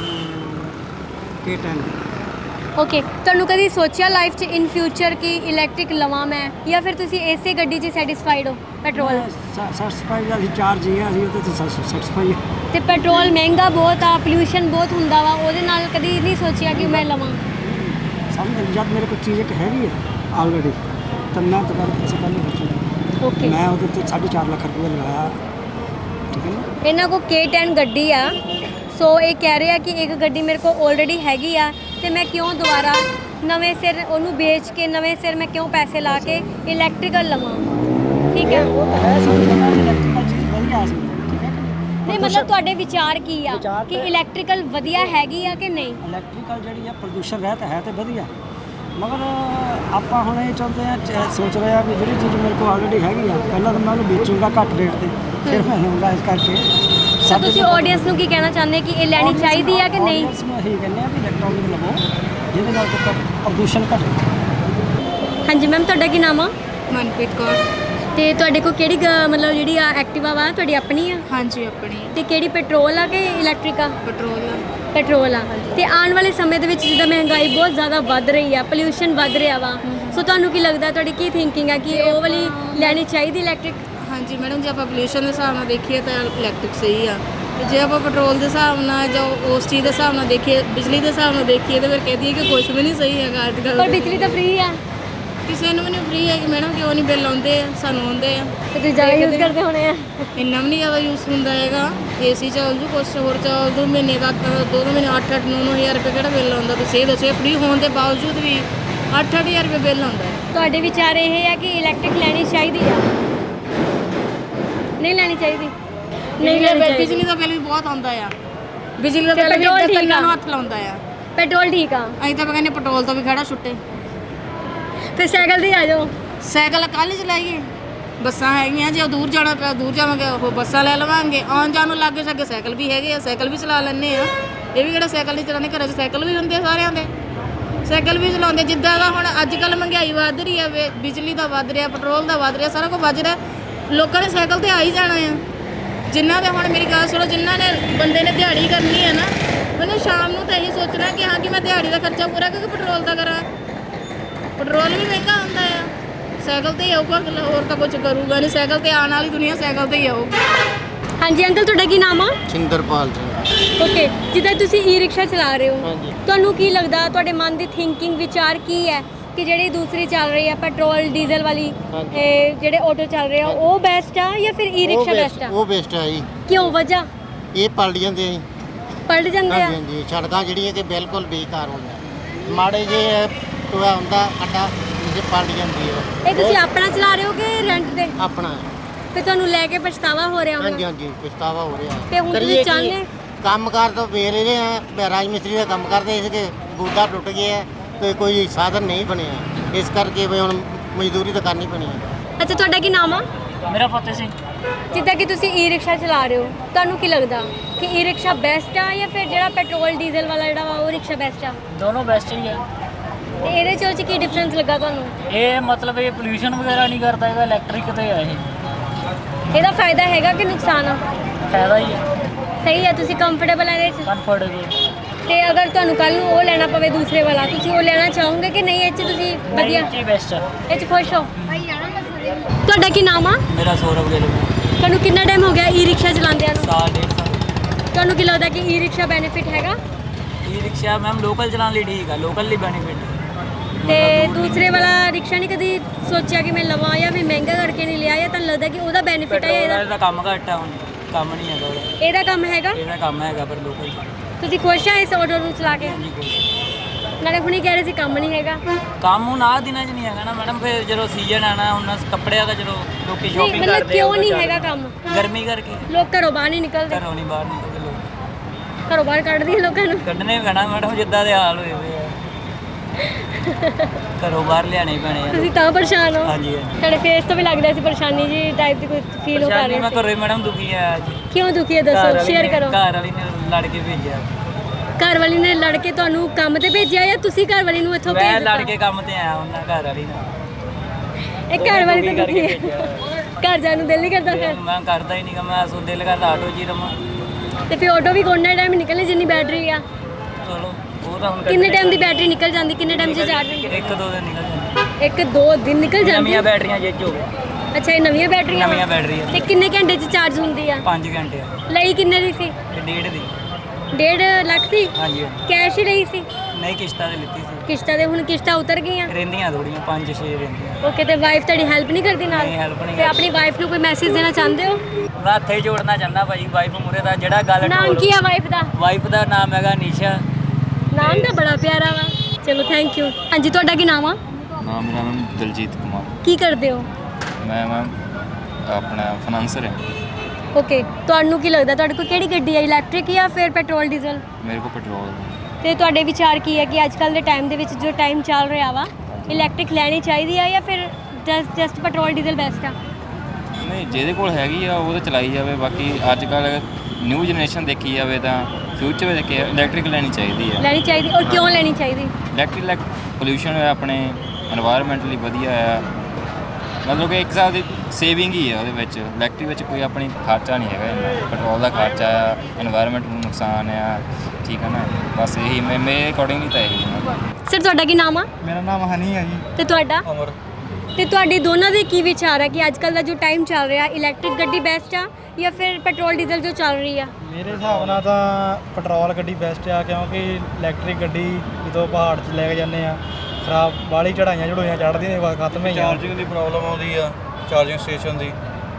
K10।
ਓਕੇ, ਤੁਹਾਨੂੰ ਕਦੀ ਸੋਚਿਆ ਲਾਈਫ 'ਚ ਇਨ ਫਿਊਚਰ ਕਿ ਇਲੈਕਟ੍ਰਿਕ ਲਵਾਂ ਮੈਂ, ਜਾਂ ਫਿਰ ਤੁਸੀਂ ਇਸੇ ਗੱਡੀ 'ਚ ਸੈਟੀਸਫਾਈਡ ਹੋ ਪੈਟਰੋਲ?
ਸੈਟੀਸਫਾਈ ਦਾ ਚਾਰਜ ਹੀ ਆ, ਅਸੀਂ ਉਹਦੇ ਤੇ ਸੈਟੀਸਫਾਈ।
ਤੇ ਪੈਟਰੋਲ ਮਹਿੰਗਾ ਬਹੁਤ ਆ, ਪੋਲਿਊਸ਼ਨ ਬਹੁਤ ਹੁੰਦਾ ਵਾ, ਉਹਦੇ ਨਾਲ ਕਦੀ ਨਹੀਂ ਸੋਚਿਆ ਕਿ ਮੈਂ ਲਵਾਂ?
ਸਮਝ ਜਦ ਮੇਰੇ ਕੋਲ ਚੀਜ਼ ਇੱਕ ਹੈਗੀ ਹੈ ਆਲਰੇਡੀ, ਤਾਂ ਮੈਂ ਦੁਬਾਰਾ ਕਿਸੇ ਕੱਲ ਨਹੀਂ ਬਚੂਗਾ।
ਓਕੇ,
ਮੈਂ ਉਹਦੇ ਤੇ 4.5 ਲੱਖ ਰੁਪਏ ਲਗਾਇਆ, ਠੀਕ ਹੈ ਨਾ।
ਇਹਨਾਂ ਕੋਲ K10 ਗੱਡੀ ਆ, ਸੋ ਇਹ ਕਹਿ ਰਹੇ ਆ ਕਿ ਇੱਕ ਗੱਡੀ ਮੇਰੇ ਕੋਲ ਆਲਰੇਡੀ ਹੈਗੀ ਆ, ਤੇ ਮੈਂ ਕਿਉਂ ਦੁਬਾਰਾ ਨਵੇਂ ਸਿਰ ਉਹਨੂੰ ਵੇਚ ਕੇ ਨਵੇਂ ਸਿਰ ਮੈਂ ਕਿਉਂ ਪੈਸੇ ਲਾ ਕੇ ਇਲੈਕਟ੍ਰੀਕਲ ਲਵਾਂ? ਠੀਕ ਹੈ,
ਉਹ ਤਾਂ ਹੈ ਸਮਝਣਾ, ਇਲੈਕਟ੍ਰੀਕਲ ਚੀਜ਼ ਵਧੀਆ ਸੀ, ਠੀਕ ਹੈ।
ਨਹੀਂ ਮਤਲਬ ਤੁਹਾਡੇ ਵਿਚਾਰ ਕੀ ਆ ਕਿ ਇਲੈਕਟ੍ਰੀਕਲ ਵਧੀਆ ਹੈਗੀ ਆ ਕਿ ਨਹੀਂ?
ਇਲੈਕਟ੍ਰੀਕਲ ਜਿਹੜੀ ਆ ਪ੍ਰਦੂਸ਼ਣ ਰਹਿਤ ਹੈ ਤੇ ਵਧੀਆ, ਮਗਰ ਆਪਾਂ ਹੁਣ ਇਹ ਚਾਹੁੰਦੇ ਆ, ਸੋਚ ਰਹੇ ਆ ਵੀ ਜਿਹੜੀ ਚੀਜ਼ ਮੇਰੇ ਕੋਲ ਆਲਰੇਡੀ ਹੈਗੀ ਆ, ਪਹਿਲਾਂ ਤਾਂ ਮੈਂ ਉਹਨੂੰ ਵੇਚੂੰਗਾ ਘੱਟ ਰੇਟ ਤੇ, ਫਿਰ ਮੈਂ ਲਵਾਂਗਾ। ਇਸ ਕਰਕੇ
ਸੋ ਤੁਸੀਂ ਆਡੀਅנס ਨੂੰ ਕੀ ਕਹਿਣਾ ਚਾਹੁੰਦੇ ਕਿ ਇਹ ਲੈਣੀ ਚਾਹੀਦੀ ਆ ਕਿ ਨਹੀਂ?
ਆਡੀਅנס ਨੂੰ ਇਹੀ ਕਹਿੰਦੇ ਆ ਵੀ ਇਲੈਕਟ੍ਰੋਨਿਕ ਲਵੋ, ਜਿਹਦੇ ਨਾਲ ਪ੍ਰਦੂਸ਼ਣ ਘਟੇ।
ਹਾਂਜੀ ਮੈਮ, ਤੁਹਾਡਾ ਕੀ ਨਾਮ ਆ?
ਮਨਪ੍ਰੀਤ ਕੌਰ।
ਤੇ ਤੁਹਾਡੇ ਕੋਲ ਕਿਹੜੀ ਮਤਲਬ ਜਿਹੜੀ ਆ ਐਕਟਿਵਾ ਵਾ ਤੁਹਾਡੀ ਆਪਣੀ ਆ?
ਹਾਂਜੀ ਆਪਣੀ
ਤੇ ਕਿਹੜੀ ਪੈਟਰੋਲ ਆ ਕਿ ਇਲੈਕਟ੍ਰਿਕ ਆ?
ਪੈਟਰੋਲ
ਪੈਟਰੋਲ ਆ ਤੇ ਆਉਣ ਵਾਲੇ ਸਮੇਂ ਦੇ ਵਿੱਚ ਜਿੱਦਾਂ ਮਹਿੰਗਾਈ ਬਹੁਤ ਜ਼ਿਆਦਾ ਵੱਧ ਰਹੀ ਆ, ਪੋਲਿਊਸ਼ਨ ਵੱਧ ਰਿਹਾ ਵਾ, ਸੋ ਤੁਹਾਨੂੰ ਕੀ ਲੱਗਦਾ, ਤੁਹਾਡੀ ਕੀ ਥਿੰਕਿੰਗ ਹੈ ਕਿ ਉਹ ਵਾਲੀ ਲੈਣੀ ਚਾਹੀਦੀ ਇਲੈਕਟ੍ਰਿਕ?
ਹਾਂਜੀ ਮੈਡਮ, ਜੇ ਆਪਾਂ ਪੋਲਿਊਸ਼ਨ ਦੇ ਹਿਸਾਬ ਨਾਲ ਦੇਖੀਏ ਤਾਂ ਇਲੈਕਟ੍ਰਿਕ ਸਹੀ ਆ, ਤੇ ਜੇ ਆਪਾਂ ਪੈਟਰੋਲ ਦੇ ਹਿਸਾਬ ਨਾਲ ਜਾਂ ਉਸ ਚੀਜ਼ ਦੇ ਹਿਸਾਬ ਨਾਲ ਦੇਖੀਏ, ਬਿਜਲੀ ਦੇ ਹਿਸਾਬ ਨਾਲ ਦੇਖੀਏ ਤਾਂ ਫਿਰ ਕਹਿ ਦਈਏ ਕਿ ਕੁਝ ਵੀ ਨਹੀਂ ਸਹੀ ਹੈਗਾ ਅੱਜ ਕੱਲ੍ਹ।
ਪਰ ਬਿਜਲੀ ਤਾਂ ਫ੍ਰੀ ਆ।
ਕਿਸੇ ਨੂੰ ਵੀ ਨਹੀਂ ਫ੍ਰੀ ਹੈਗੀ ਮੈਡਮ, ਕਿਉਂ ਨਹੀਂ ਬਿੱਲ ਆਉਂਦੇ ਆ, ਸਾਨੂੰ ਆਉਂਦੇ ਆ।
ਤੇ ਤੁਸੀਂ ਜ਼ਿਆਦਾ ਯੂਜ਼ ਕਰਦੇ ਹੋਣੇ ਆ।
ਇੰਨਾ ਵੀ ਨਹੀਂ ਜ਼ਿਆਦਾ ਯੂਜ਼ ਹੁੰਦਾ ਹੈਗਾ, ਏਸੀ ਚੱਲ ਜੂ, ਕੁਛ ਹੋਰ ਚੱਲ ਜੂ, ਮਹੀਨੇ ਦਾ 2 ਮਹੀਨੇ 8-8 9-9 ਹਜ਼ਾਰ ਰੁਪਏ ਕਿਹੜਾ ਬਿੱਲ ਆਉਂਦਾ? ਤੁਸੀਂ ਇਹ ਦੱਸੋ, ਫ੍ਰੀ ਹੋਣ ਦੇ ਬਾਵਜੂਦ ਵੀ 8-8 ਹਜ਼ਾਰ ਰੁਪਏ ਬਿੱਲ ਆਉਂਦਾ ਹੈ।
ਤੁਹਾਡੇ ਵਿਚਾਰ ਇਹ ਹੈ ਕਿ ਇਲੈਕਟ੍ਰਿਕ ਲੈਣੀ ਚਾਹੀਦੀ ਆ? ਨਹੀਂ ਲੈਣੀ ਚਾਹੀਦੀ? ਨਹੀਂ ਲੈਣੀ ਚਾਹੀਦੀ।
ਬਿਜਲੀ ਦਾ ਬਿੱਲ ਵੀ ਬਹੁਤ ਆਉਂਦਾ ਆ, ਬਿਜਲੀ ਦਾ ਬਿੱਲ
ਪੈਟਰੋਲ
ਵੀ
ਠੀਕ
ਕੰਨਾਂ
ਆ?
ਨੂੰ ਹੱਥ ਲਾਉਂਦਾ ਆ।
ਪੈਟਰੋਲ ਠੀਕ ਆ,
ਅਸੀਂ ਤਾਂ ਕਹਿੰਦੇ ਪੈਟਰੋਲ ਤੋਂ ਵੀ ਖੜਾ ਛੁੱਟੇ।
ਫਿਰ ਸਾਈਕਲ ਤੇ ਆ ਜਾਓ।
ਸਾਈਕਲ ਕੱਲ੍ਹ ਚਲਾਈਏ, ਬੱਸਾਂ ਹੈਗੀਆਂ, ਜੇ ਦੂਰ ਜਾਣਾ ਪਿਆ ਦੂਰ ਜਾਵਾਂਗੇ ਉਹ ਬੱਸਾਂ ਲੈ ਲਵਾਂਗੇ, ਆਉਣ ਜਾਣ ਨੂੰ ਲਾਗੇ ਛਾਗੇ ਸਾਈਕਲ ਵੀ ਹੈਗੇ ਆ, ਸਾਈਕਲ ਵੀ ਚਲਾ ਲੈਂਦੇ ਆ। ਇਹ ਵੀ ਕਿਹੜਾ ਸਾਈਕਲ ਨਹੀਂ ਚਲਾਉਂਦੇ, ਘਰਾਂ 'ਚ ਸਾਈਕਲ ਵੀ ਹੁੰਦੇ ਆ ਸਾਰਿਆਂ ਦੇ, ਸਾਈਕਲ ਵੀ ਚਲਾਉਂਦੇ। ਜਿੱਦਾਂ ਦਾ ਹੁਣ ਅੱਜ ਕੱਲ੍ਹ ਮਹਿੰਗਾਈ ਵੱਧ ਰਹੀ ਆ, ਬਿਜਲੀ ਦਾ ਵੱਧ ਰਿਹਾ, ਪੈਟਰੋਲ ਦਾ ਵੱਧ ਰਿਹਾ, ਸਾਰਾ ਕੁਝ ਵੱਧ ਰਿਹਾ, ਲੋਕਾਂ ਨੇ ਸਾਈਕਲ ਤੇ ਆ ਹੀ ਜਾਣਾ ਆ। ਜਿਨ੍ਹਾਂ ਦੇ ਹੁਣ ਮੇਰੀ ਗੱਲ ਸੁਣੋ, ਜਿਨ੍ਹਾਂ ਨੇ ਬੰਦੇ ਨੇ ਦਿਹਾੜੀ ਕਰਨੀ ਹੈ ਨਾ, ਉਹਨੇ ਸ਼ਾਮ ਨੂੰ ਤਾਂ ਇਹੀ ਸੋਚਣਾ ਕਿ ਹਾਂ ਕਿ ਮੈਂ ਦਿਹਾੜੀ ਦਾ ਖਰਚਾ ਪੂਰਾ ਕਿਉਂਕਿ ਪੈਟਰੋਲ ਦਾ ਕਰਾਂ। ਪੈਟਰੋਲ ਵੀ ਮਹਿੰਗਾ ਹੁੰਦਾ ਆ, ਸਾਈਕਲ ਤੇ ਹੀ ਆਊਗਾ, ਹੋਰ ਤਾਂ ਕੁਝ ਕਰੂਗਾ ਨਹੀਂ। ਸਾਈਕਲ ਤੇ ਆਉਣ ਵਾਲੀ ਦੁਨੀਆ ਸਾਈਕਲ ਤੇ ਹੀ ਆਊਗੀ।
ਹਾਂਜੀ ਅੰਕਲ, ਤੁਹਾਡਾ ਕੀ ਨਾਮ ਆ?
ਸਿੰਦਰਪਾਲ ਸਿੰਘ।
ਓਕੇ, ਜਿੱਦਾਂ ਤੁਸੀਂ ਈ ਰਿਕਸ਼ਾ ਚਲਾ ਰਹੇ ਹੋ, ਤੁਹਾਨੂੰ ਕੀ ਲੱਗਦਾ, ਤੁਹਾਡੇ ਮਨ ਦੀ ਥਿੰਕਿੰਗ ਵਿਚਾਰ ਕੀ ਹੈ ਕਿ ਜਿਹੜੀ ਦੂਸਰੀ ਚੱਲ ਰਹੀ ਹੈ ਪੈਟਰੋਲ ਡੀਜ਼ਲ ਵਾਲੀ, ਜਿਹੜੇ ਆਟੋ ਚੱਲ ਰਹੇ ਆ, ਉਹ ਬੈਸਟ ਆ ਜਾਂ ਫਿਰ ਈ ਰਿਕਸ਼ਾ ਬੈਸਟ ਆ?
ਉਹ ਬੈਸਟ ਹੈ ਜੀ।
ਕਿਉਂ, ਵਜ੍ਹਾ?
ਇਹ ਪਲਟ ਜਾਂਦੇ ਆ ਜੀ।
ਪਲਟ ਜਾਂਦੇ ਆ?
ਹਾਂਜੀ, ਸੜਕਾਂ ਜਿਹੜੀਆਂ ਕਿ ਬਿਲਕੁਲ ਬੇਕਾਰ ਹੋ ਗਈਆਂ, ਮਾੜੇ ਜੇ ਟੋਆ ਹੁੰਦਾ ਅੱਡਾ ਜੇ ਪਲਟ ਜਾਂਦੀ ਹੈ।
ਇਹ ਤੁਸੀਂ ਆਪਣਾ ਚਲਾ ਰਹੇ ਹੋ ਕਿ ਰੈਂਟ ਤੇ?
ਆਪਣਾ।
ਤੇ ਤੁਹਾਨੂੰ ਲੈ ਕੇ ਪਛਤਾਵਾ ਹੋ ਰਿਹਾ
ਹਾਂਜੀ
ਹੋਣਾ?
ਹਾਂਜੀ, ਪਛਤਾਵਾ ਹੋ ਰਿਹਾ।
ਤੇ ਹੁਣ ਤੁਸੀਂ ਚਾਹੁੰਦੇ?
ਕੰਮਕਾਰ ਤੋਂ ਵੇਲੇ ਰਹੇ ਆ, ਰਾਜ ਮਿਸਤਰੀ ਦਾ ਕੰਮ ਕਰਦੇ ਸੀਗੇ, ਗੋਡਾ ਟੁੱਟ ਗਿਆ ਤੇ ਕੋਈ ਸਾਧਨ ਨਹੀਂ ਬਣਿਆ, ਇਸ ਕਰਕੇ ਵੀ ਹੁਣ ਮਜ਼ਦੂਰੀ ਤਾਂ ਕਰਨੀ ਪੈਣੀ ਹੈ।
ਅੱਛਾ, ਤੁਹਾਡਾ ਕੀ ਨਾਮ ਆ?
ਮੇਰਾ ਫਤਿਹ ਸਿੰਘ।
ਜਿੱਦਾਂ ਕਿ ਤੁਸੀਂ ਈ ਰਿਕਸ਼ਾ ਚਲਾ ਰਹੇ ਹੋ, ਤੁਹਾਨੂੰ ਕੀ ਲੱਗਦਾ ਕਿ ਈ ਰਿਕਸ਼ਾ ਬੈਸਟ ਆ ਜਾਂ ਫਿਰ ਜਿਹੜਾ ਪੈਟਰੋਲ ਡੀਜ਼ਲ ਵਾਲਾ ਜਿਹੜਾ ਵਾ ਉਹ ਰਿਕਸ਼ਾ ਬੈਸਟ ਆ?
ਦੋਨੋਂ ਬੈਸਟ ਹੀ ਆ।
ਤੇ ਇਹਦੇ 'ਚ ਉਹ 'ਚ ਕੀ ਡਿਫਰੈਂਸ ਲੱਗਾ ਤੁਹਾਨੂੰ?
ਇਹ ਮਤਲਬ ਇਹ ਪੋਲਿਊਸ਼ਨ ਵਗੈਰਾ ਨਹੀਂ ਕਰਦਾ, ਇਹਦਾ ਇਲੈਕਟ੍ਰਿਕ ਤੇ ਆ।
ਇਹਦਾ ਫਾਇਦਾ ਹੈਗਾ ਕਿ ਨੁਕਸਾਨ ਆ?
ਫਾਇਦਾ ਹੀ ਆ,
ਸਹੀ ਹੈ, ਤੁਸੀਂ ਕੰਫਰਟੇਬਲ ਆ ਇਹਦੇ 'ਚ?
ਕੰਫਰਟੇਬਲ।
ਤੇ ਅਗਰ ਤੁਹਾਨੂੰ ਕੱਲ ਨੂੰ ਉਹ ਲੈਣਾ ਪਵੇ ਦੂਸਰੇ ਵਾਲਾ, ਤੁਸੀਂ ਉਹ ਲੈਣਾ ਚਾਹੋਗੇ ਕਿ ਨਹੀਂ? ਇਹ 'ਚ ਤੁਸੀਂ ਵਧੀਆ,
ਇਹ ਬੈਸਟ ਆ।
ਇਹ 'ਚ ਖੁਸ਼ ਹੋ? ਤੁਹਾਡਾ ਕੀ ਨਾਮ ਆ?
ਮੇਰਾ ਸੌਰਵ ਗਿੱਲ।
ਤੁਹਾਨੂੰ ਕਿੰਨਾ ਟਾਈਮ ਹੋ ਗਿਆ ਈ ਰਿਕਸ਼ਾ ਚਲਾਉਂਦਿਆਂ ਨੂੰ?
ਸਾਲ 1.5 ਸਾਲ।
ਤੁਹਾਨੂੰ ਕੀ ਲੱਗਦਾ ਕਿ ਈ ਰਿਕਸ਼ਾ ਬੈਨੀਫਿਟ ਹੈਗਾ?
ਈ ਰਿਕਸ਼ਾ ਮੈਮ ਲੋਕਲ ਚਲਾਉਣ ਲਈ ਠੀਕ ਆ, ਲੋਕਲ ਲਈ ਬੈਨੀਫਿਟ।
ਤੇ ਦੂਸਰੇ ਵਾਲਾ ਰਿਕਸ਼ਾ ਨਹੀਂ ਕਦੀ ਸੋਚਿਆ ਕਿ ਮੈਂ ਲਵਾਂ ਜਾਂ ਫਿਰ ਮਹਿੰਗਾ ਕਰਕੇ ਨਹੀਂ ਲਿਆ, ਜਾਂ ਤੁਹਾਨੂੰ ਲੱਗਦਾ ਕਿ ਉਹਦਾ ਬੈਨੀਫਿਟ ਹੈ ਜਾਂ
ਇਹਦਾ ਕੰਮ ਘੱਟ ਆ, ਹੁਣ ਕੰਮ ਨਹੀਂ ਹੈਗਾ ਉਹਦਾ।
ਇਹਦਾ ਕੰਮ ਹੈਗਾ?
ਇਹਦਾ ਕੰਮ ਹੈਗਾ ਪਰ ਲੋਕਲ।
ਤੁਸੀਂ ਖੁਸ਼ ਆ ਇਸ ਆਟੋ ਨੂੰ ਚਲਾ ਕੇ? ਨਾਲੇ ਹੁਣੀ ਕਹਿ ਰਹੇ ਸੀ ਕੰਮ ਨਹੀਂ ਹੈਗਾ।
ਕੰਮ ਹੁਣ ਆਹ ਦਿਨਾਂ 'ਚ ਨਹੀਂ ਹੈਗਾ ਨਾ ਮੈਡਮ, ਫਿਰ ਜਦੋਂ ਸੀਜ਼ਨ ਆਣਾ ਹੁਣ ਕੱਪੜਿਆਂ ਦਾ, ਜਦੋਂ ਲੋਕੀ
ਨਹੀਂ
ਸ਼ਾਪਿੰਗ
ਮਤਲਬ
ਕਰਦੇ
ਕਿਉਂ ਨਹੀਂ ਹੈਗਾ ਕੰਮ?
ਗਰਮੀ ਕਰਕੇ।
ਲੋਕ ਘਰੋਂ ਬਾਹਰ ਨਹੀਂ ਨਿਕਲਦੇ?
ਘਰੋਂ ਨਹੀਂ ਬਾਹਰ ਨਿਕਲਦੇ ਲੋਕ।
ਘਰੋਂ ਬਾਹਰ ਕੱਢਦੀ ਹੈ ਲੋਕਾਂ ਨੂੰ?
ਕੱਢਣੇ ਵੀ ਪੈਣਾ ਮੈਡਮ, ਜਿੱਦਾਂ ਦੇ ਹਾਲ ਹੋਏ ਹੋਏ ਆ। ਘਰੋਂ ਬਾਹਰ ਲਿਆਣੇ ਹੀ ਪੈਣੇ ਆ।
ਤੁਸੀਂ ਤਾਂ ਪਰੇਸ਼ਾਨ ਹੋ?
ਹਾਂਜੀ ਹਾਂਜੀ।
ਤੁਹਾਡੇ ਫੇਸ ਤੋਂ ਵੀ ਲੱਗਦਾ ਸੀ ਪਰੇਸ਼ਾਨੀ ਜੀ ਟਾਈਪ ਦੀ ਕੋਈ ਫੀਲ ਹੋ ਕਰ
ਪਰੇਸ਼ਾਨੀ ਮੈਂ
ਰਹੀ
ਘਰੋਂ ਹੀ ਮੈਡਮ ਦੁਖੀ ਆ ਅੱਜ।
ਕਿਉਂ ਦੁਖੀ ਹੈ
ਘਰ
ਦੱਸੋ,
ਵਾਲੀ
ਸ਼ੇਅਰ
ਨੇ-
ਕਰੋ।
ਘਰ ਵਾਲੀ ਨੇ ਲੜ ਕੇ ਭੇਜਿਆ।
ਘਰ ਵਾਲੀ ਨੇ ਲੜ ਕੇ ਤੁਹਾਨੂੰ ਕੰਮ ਤੇ ਭੇਜਿਆ ਜਾਂ ਤੁਸੀਂ ਘਰ ਵਾਲੀ ਨੂੰ ਇੱਥੋਂ ਭੇਜ
ਮੈਂ
ਦਿੱਤਾ?
ਲੜ ਕੇ ਕੰਮ ਤੇ ਆਇਆ ਉਹਨਾਂ ਘਰ ਵਾਲੀ ਨਾਲ।
ਇਹ ਘਰ ਵਾਲੀ ਤਾਂ
ਕਰਕੇ
ਦੁਖੀ ਹੈ,
ਭੇਜਿਆ।
ਘਰ ਜਾਣ ਨੂੰ ਦਿਲ ਨਹੀਂ ਕਰਦਾ ਫਿਰ?
ਮੈਂ ਕਰਦਾ ਹੀ ਨਹੀਂਗਾ, ਮੈਂ ਸੋ ਦਿਲ ਕਰਦਾ ਆਟੋ 'ਚ ਹੀ ਰਵਾਂ।
ਤੇ ਫਿਰ ਆਟੋ ਵੀ ਕੋਨਾ ਟਾਈਮ ਨਿਕਲੇ ਜਿੰਨੀ ਬੈਟਰੀ ਆ?
ਚਲੋ ਉਹ ਤਾਂ ਹੁਣ
ਕਿੰਨੇ ਟਾਈਮ ਦੀ ਬੈਟਰੀ ਨਿਕਲ ਜਾਂਦੀ, ਕਿੰਨੇ ਟਾਈਮ 'ਚ ਚਾਰਜ ਹੁੰਦੀ?
1-2 ਦਿਨ ਨਿਕਲ ਜਾਂਦੇ।
1-2 ਦਿਨ ਨਿਕਲ ਜਾਂਦੀ?
ਨਵੀਆਂ ਬੈਟਰੀਆਂ ਜੇ 'ਚ ਹੋ ਗਏ।
ਅੱਛਾ, ਇਹ ਨਵੀਆਂ ਬੈਟਰੀਆਂ?
ਨਵੀਆਂ ਬੈਟਰੀਆਂ।
ਤੇ ਕਿੰਨੇ ਘੰਟੇ 'ਚ ਚਾਰਜ ਹੁੰਦੀ ਆ?
5 ਘੰਟੇ ਆ।
ਲਈ ਕਿੰਨੇ ਦੀ ਸੀ?
ਤੇ 1.5 ਦੀ।
1.5 ਲੱਖ ਦੀ?
ਹਾਂਜੀ
ਕੈਸ਼ ਹੀ ਲਈ ਸੀ?
ਨਹੀਂ, ਕਿਸ਼ਤਾਂ ਤੇ ਲਿੱਤੀ ਸੀ।
ਕਿਸ਼ਤਾਂ ਦੇ ਹੁਣ ਕਿਸ਼ਤਾਂ ਉਤਰ ਗਈਆਂ?
ਰਹਿੰਦੀਆਂ ਥੋੜੀਆਂ 5-6 ਰਹਿੰਦੀਆਂ।
ਓਕੇ, ਤੇ ਵਾਈਫ ਤੁਹਾਡੀ ਹੈਲਪ ਨਹੀਂ ਕਰਦੀ ਨਾਲ?
ਨਹੀਂ, help ਨਹੀਂ
ਤੇ ਆਪਣੀ ਵਾਈਫ ਨੂੰ ਕੋਈ ਮੈਸੇਜ ਦੇਣਾ ਚਾਹੁੰਦੇ ਹੋ?
ਮੈਂ ਹੱਥ ਹੀ ਜੋੜਨਾ ਚਾਹੁੰਦਾ ਭਾਈ ਵਾਈਫ ਮੂਰੇ ਦਾ, ਜਿਹੜਾ ਗੱਲ
ਨਾਮ ਕੀ ਆ ਵਾਈਫ ਦਾ?
ਵਾਈਫ ਦਾ ਨਾਮ ਹੈਗਾ ਨੀਸ਼ਾ।
ਨਾਮ ਤਾਂ ਬੜਾ ਪਿਆਰਾ ਵਾ। ਚਲੋ ਥੈਂਕ ਯੂ। ਹਾਂਜੀ, ਤੁਹਾਡਾ ਕੀ ਨਾਮ ਆ?
ਨਾਮ ਮੇਰਾ ਮੈਮ ਦਲਜੀਤ ਕੁਮਾਰ।
ਕੀ ਕਰਦੇ ਹੋ?
ਮੈਂ ਮੈਮ ਆਪਣਾ ਫਾਈਨਾਂਸਰ ਹੈ।
ਓਕੇ, ਤੁਹਾਨੂੰ ਕੀ ਲੱਗਦਾ ਤੁਹਾਡੇ ਕੋਲ ਕਿਹੜੀ ਗੱਡੀ ਹੈ, ਇਲੈਕਟ੍ਰਿਕ ਜਾਂ ਫਿਰ ਪੈਟਰੋਲ ਡੀਜ਼ਲ?
ਮੇਰੇ ਕੋਲ ਪੈਟਰੋਲ।
ਤੇ ਤੁਹਾਡੇ ਵਿਚਾਰ ਕੀ ਹੈ ਕਿ ਅੱਜ ਕੱਲ੍ਹ ਦੇ ਟਾਈਮ ਦੇ ਵਿੱਚ ਜੋ ਟਾਈਮ ਚੱਲ ਰਿਹਾ ਵਾ, ਇਲੈਕਟ੍ਰਿਕ ਲੈਣੀ ਚਾਹੀਦੀ ਆ ਜਾਂ ਫਿਰ ਜਸਟ ਪੈਟਰੋਲ ਡੀਜ਼ਲ ਬੈਸਟ ਆ?
ਨਹੀਂ, ਜਿਹਦੇ ਕੋਲ ਹੈਗੀ ਆ ਉਹ ਤਾਂ ਚਲਾਈ ਜਾਵੇ, ਬਾਕੀ ਅੱਜ ਕੱਲ੍ਹ ਨਿਊ ਜਨਰੇਸ਼ਨ ਦੇਖੀ ਜਾਵੇ ਤਾਂ ਫਿਊਚਰ ਵਿੱਚ ਦੇਖੇ ਇਲੈਕਟ੍ਰਿਕ ਲੈਣੀ ਚਾਹੀਦੀ ਹੈ।
ਲੈਣੀ ਚਾਹੀਦੀ, ਔਰ ਕਿਉਂ ਲੈਣੀ ਚਾਹੀਦੀ?
ਇਲੈਕਟ੍ਰਿਕ ਪੋਲਿਊਸ਼ਨ ਹੋਇਆ ਆਪਣੇ এনवायरमेंट ਲਈ ਵਧੀਆ ਆ, ਮਤਲਬ ਕਿ ਇੱਕ ਹਿਸਾਬ ਦੀ ਸੇਵਿੰਗ ਹੀ ਆ ਉਹਦੇ ਵਿੱਚ। ਇਲੈਕਟ੍ਰਿਕ ਵਿੱਚ ਕੋਈ ਆਪਣੀ ਖਰਚਾ ਨਹੀਂ ਹੈਗਾ ਇੰਨਾ, ਪੈਟਰੋਲ ਦਾ ਖਰਚਾ ਆ, এনवायरमेंट ਨੂੰ ਨੁਕਸਾਨ ਆ, ਠੀਕ ਹੈ ਨਾ। ਬਸ ਇਹੀ ਮੇਰੇ ਅਕੋਰਡਿੰਗਲੀ ਤਾਂ ਇਹੀ ਹੈ।
ਸਰ ਤੁਹਾਡਾ ਕੀ ਨਾਮ ਆ?
ਮੇਰਾ ਨਾਮ ਹਨੀ ਹੈ ਜੀ।
ਤੇ ਤੁਹਾਡਾ?
ਅਮਰ।
ਤੇ ਤੁਹਾਡੇ ਦੋਨਾਂ ਦੇ ਕੀ ਵਿਚਾਰ ਹੈ ਕਿ ਅੱਜ ਕੱਲ੍ਹ ਦਾ ਜੋ ਟਾਈਮ ਚੱਲ ਰਿਹਾ ਇਲੈਕਟ੍ਰਿਕ ਗੱਡੀ ਬੈਸਟ ਆ ਜਾਂ ਫਿਰ ਪੈਟਰੋਲ ਡੀਜ਼ਲ ਜੋ ਚੱਲ ਰਹੀ ਆ?
ਮੇਰੇ ਹਿਸਾਬ ਨਾਲ ਤਾਂ ਪੈਟਰੋਲ ਗੱਡੀ ਬੈਸਟ ਆ, ਕਿਉਂਕਿ ਇਲੈਕਟ੍ਰਿਕ ਗੱਡੀ ਜਦੋਂ ਪਹਾੜ 'ਚ ਲੈ ਕੇ ਜਾਂਦੇ ਆ ਖਰਾਬ ਬਾਹਲੀ ਚੜਾਈਆਂ ਚੜ੍ਹਦੀਆਂ ਨੇ, ਬਸ ਖਤਮ ਹੀ
ਚਾਰਜਿੰਗ ਦੀ ਪ੍ਰੋਬਲਮ ਆਉਂਦੀ ਆ, ਚਾਰਜਿੰਗ ਸਟੇਸ਼ਨ ਦੀ,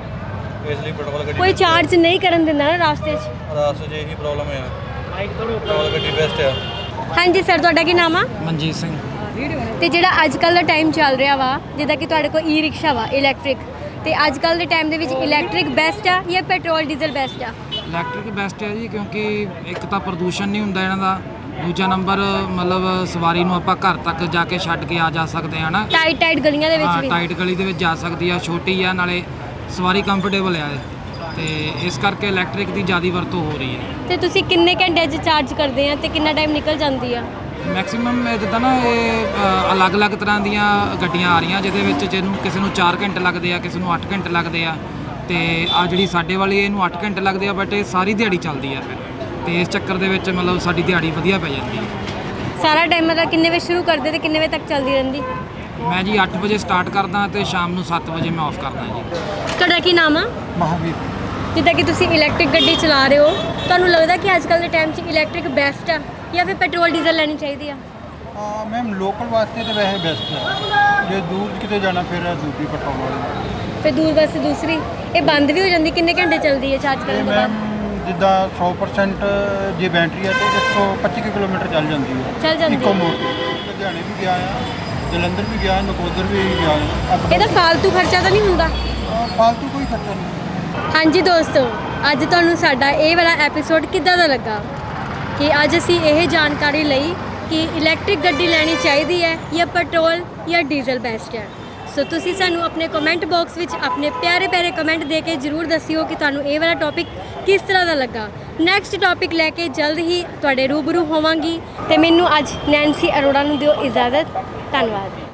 ਇਸ ਲਈ ਪੈਟਰੋਲ ਗੱਡੀ
ਕੋਈ ਚਾਰਜ ਨਹੀਂ ਕਰਨ ਦਿੰਦਾ ਨਾ ਰਾਸਤੇ 'ਚ।
ਰਾਸਤੇ 'ਚ ਇਹੀ ਪ੍ਰੋਬਲਮ ਆ, ਪੈਟਰੋਲ ਗੱਡੀ ਬੈਸਟ ਆ।
ਹਾਂਜੀ ਸਰ ਤੁਹਾਡਾ ਕੀ ਨਾਮ ਆ?
ਮਨਜੀਤ ਸਿੰਘ।
ਤੇ ਜਿਹੜਾ ਅੱਜ ਕੱਲ੍ਹ ਦਾ ਟਾਈਮ ਚੱਲ ਰਿਹਾ ਵਾ ਜਿੱਦਾਂ ਕਿ ਤੁਹਾਡੇ ਕੋਲ ਈ ਰਿਕਸ਼ਾ ਵਾ ਇਲੈਕਟ੍ਰਿਕ, ਤੇ ਅੱਜ ਕੱਲ੍ਹ ਦੇ ਟਾਈਮ ਦੇ ਵਿੱਚ ਇਲੈਕਟ੍ਰਿਕ ਬੈਸਟ ਆ ਜਾਂ ਪੈਟਰੋਲ ਡੀਜ਼ਲ ਬੈਸਟ ਆ?
ਇਲੈਕਟ੍ਰਿਕ ਬੈਸਟ ਹੈ ਜੀ, ਕਿਉਂਕਿ ਇੱਕ ਤਾਂ ਪ੍ਰਦੂਸ਼ਣ ਨਹੀਂ ਹੁੰਦਾ ਇਹਨਾਂ ਦਾ, ਦੂਜਾ ਨੰਬਰ ਮਤਲਬ ਸਵਾਰੀ ਨੂੰ ਆਪਾਂ ਘਰ ਤੱਕ ਜਾ ਕੇ ਛੱਡ ਕੇ ਆ ਜਾ ਸਕਦੇ ਹਾਂ ਨਾ।
ਟਾਈਟ ਗਲੀਆਂ ਦੇ ਵਿੱਚ
ਹਾਂ,
ਵੀ
ਟਾਈਟ ਗਲੀ ਦੇ ਵਿੱਚ ਜਾ ਸਕਦੀ ਆ, ਛੋਟੀ ਆ, ਨਾਲੇ ਸਵਾਰੀ ਕੰਫਰਟੇਬਲ ਆ, ਤੇ ਇਸ ਕਰਕੇ ਇਲੈਕਟ੍ਰਿਕ ਦੀ ਜ਼ਿਆਦਾ ਵਰਤੋਂ ਹੋ ਰਹੀ ਹੈ।
ਤੇ ਤੁਸੀਂ ਕਿੰਨੇ ਘੰਟੇ 'ਚ ਚਾਰਜ ਕਰਦੇ ਆ ਤੇ ਕਿੰਨਾ ਟਾਈਮ ਨਿਕਲ ਜਾਂਦੀ ਆ?
ਮੈਕਸਿਮਮ ਜਿੱਦਾਂ ਨਾ ਇਹ ਅਲੱਗ-ਅਲੱਗ ਤਰ੍ਹਾਂ ਦੀਆਂ ਗੱਡੀਆਂ ਆ ਰਹੀਆਂ ਜਿਹਦੇ ਵਿੱਚ ਜਿਹਨੂੰ ਕਿਸੇ ਨੂੰ 4 ਘੰਟੇ ਲੱਗਦੇ ਆ, ਕਿਸੇ ਨੂੰ 8 ਘੰਟੇ ਲੱਗਦੇ ਆ, ਤੇ ਆ ਜਿਹੜੀ ਸਾਡੇ ਵਾਲੀ ਇਹਨੂੰ 8 ਘੰਟੇ ਲੱਗਦੇ ਆ, ਬਟ ਇਹ ਸਾਰੀ ਦਿਹਾੜੀ ਚੱਲਦੀ ਆ ਫਿਰ, ਤੇ ਇਸ ਚੱਕਰ ਦੇ ਵਿੱਚ ਮਤਲਬ ਸਾਡੀ ਦਿਹਾੜੀ ਵਧੀਆ ਪੈ ਜਾਂਦੀ ਹੈ।
ਸਾਰਾ ਟਾਈਮ ਮਤਲਬ ਕਿੰਨੇ ਵਜੇ ਸ਼ੁਰੂ ਕਰਦੇ ਤੇ ਕਿੰਨੇ ਵਜੇ ਤੱਕ ਚੱਲਦੀ ਰਹਿੰਦੀ?
ਮੈਂ ਜੀ 8 ਵਜੇ ਸਟਾਰਟ ਕਰਦਾ ਤੇ ਸ਼ਾਮ ਨੂੰ 7 ਵਜੇ ਮੈਂ ਆਫ ਕਰਦਾ ਜੀ।
ਤੁਹਾਡਾ ਕੀ ਨਾਮ ਆ?
ਮਹਾਵੀਰ।
ਜਿੱਦਾਂ ਕਿ ਤੁਸੀਂ ਇਲੈਕਟ੍ਰਿਕ ਗੱਡੀ ਚਲਾ ਰਹੇ ਹੋ, ਤੁਹਾਨੂੰ ਲੱਗਦਾ ਕਿ ਅੱਜ ਕੱਲ੍ਹ ਦੇ ਟਾਈਮ 'ਚ ਇਲੈਕਟ੍ਰਿਕ ਬੈਸਟ ਆ ਜਾਂ ਫਿਰ ਪੈਟਰੋਲ ਡੀਜ਼ਲ ਲੈਣੀ ਚਾਹੀਦੀ ਆ?
ਮੈਮ ਲੋਕਲ ਵਾਸਤੇ ਤਾਂ ਵੈਸੇ ਬੈਸਟ ਹੈ, ਜੇ ਦੂਰ ਕਿਤੇ ਜਾਣਾ ਫਿਰ ਦੂਜੀ ਪੈਟਰੋਲ ਵਾਲੀ।
ਫਿਰ ਦੂਰ ਵਾਸਤੇ ਦੂਸਰੀ ਇਹ ਬੰਦ ਵੀ ਹੋ ਜਾਂਦੀ, ਕਿੰਨੇ ਘੰਟੇ ਚੱਲਦੀ ਹੈ ਚਾਰਜ ਕਰਨ ਤੋਂ ਬਾਅਦ?
ਜਿੱਦਾਂ 100% ਜੇ ਬੈਟਰੀ ਹੈ ਤੇ 125 ਕਿਲੋਮੀਟਰ ਚੱਲ ਜਾਂਦੀ ਹੈ।
ਚੱਲ ਜਾਂਦੀ
ਇੱਕੋ
ਹੈ।
ਮੋੜ ਤੇ ਲੁਧਿਆਣੇ ਵੀ ਗਿਆ ਆ, ਜਲੰਧਰ ਵੀ ਗਿਆ, ਨਕੋਦਰ ਵੀ ਗਿਆ ਆ।
ਇਹਦਾ ਫਾਲਤੂ ਖਰਚਾ ਤਾਂ ਨਹੀਂ ਹੁੰਦਾ?
ਫਾਲਤੂ ਕੋਈ ਖਰਚਾ ਨਹੀਂ।
ਹਾਂਜੀ ਦੋਸਤੋ, ਅੱਜ ਤੁਹਾਨੂੰ ਸਾਡਾ ਇਹ ਵਾਲਾ ਐਪੀਸੋਡ ਕਿੱਦਾਂ ਦਾ ਲੱਗਾ ਕਿ ਅੱਜ ਅਸੀਂ ਇਹ ਜਾਣਕਾਰੀ ਲਈ ਕਿ ਇਲੈਕਟ੍ਰਿਕ ਗੱਡੀ ਲੈਣੀ ਚਾਹੀਦੀ ਹੈ ਜਾਂ ਪੈਟਰੋਲ ਜਾਂ ਡੀਜ਼ਲ ਬੈਸਟ ਹੈ। ਸੋ ਤੁਸੀਂ ਸਾਨੂੰ ਆਪਣੇ ਕਮੈਂਟ ਬਾਕਸ ਵਿੱਚ ਆਪਣੇ ਪਿਆਰੇ ਕਮੈਂਟ ਦੇ ਕੇ ਜ਼ਰੂਰ ਦੱਸਿਓ ਕਿ ਤੁਹਾਨੂੰ ਇਹ ਵਾਲਾ ਟੌਪਿਕ ਕਿਸ ਤਰ੍ਹਾਂ ਦਾ ਲੱਗਾ। ਨੈਕਸਟ ਟੌਪਿਕ ਲੈ ਕੇ ਜਲਦ ਹੀ ਤੁਹਾਡੇ ਰੂਬਰੂ ਹੋਵਾਂਗੀ, ਤੇ ਮੈਨੂੰ ਅੱਜ ਨੈਂਸੀ ਅਰੋੜਾ ਨੂੰ ਦਿਓ ਇਜਾਜ਼ਤ। ਧੰਨਵਾਦ।